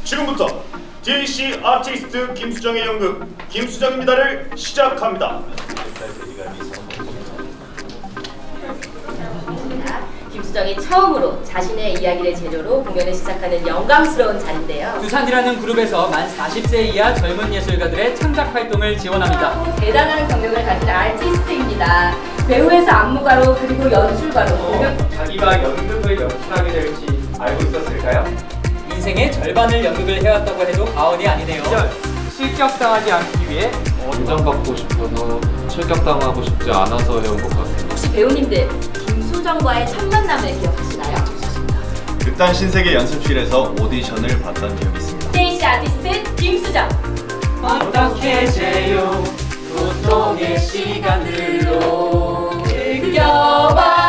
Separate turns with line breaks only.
지금부터 DC 아티스트 김수정의 연극 김수정입니다를 시작합니다.
김수정이 처음으로 자신의 이야기를 재료로 공연을 시작하는 영광스러운 자리인데요.
두산이라는 그룹에서 만 40세 이하 젊은 예술가들의 창작 활동을 지원합니다.
대단한 경력을 가진 아티스트입니다. 배우에서 안무가로 그리고 연출가로
자기가 연극을 연출하게 될지 알고 있었을까요? 인생의 절반을 연극을 해왔다고 해도 과언이 아니네요. 실격당하지 않기 위해
인정받고 싶어서 실격당하고 싶지 않아서 해온 것 같아요.
혹시 배우님들 김수정과의 첫 만남을 기억하시나요?
극단 신세계 연습실에서 오디션을 봤던 기억이 있습니다.
DC 아티스트 김수정.
어떻게 재요 고통의 시간들로 느껴봐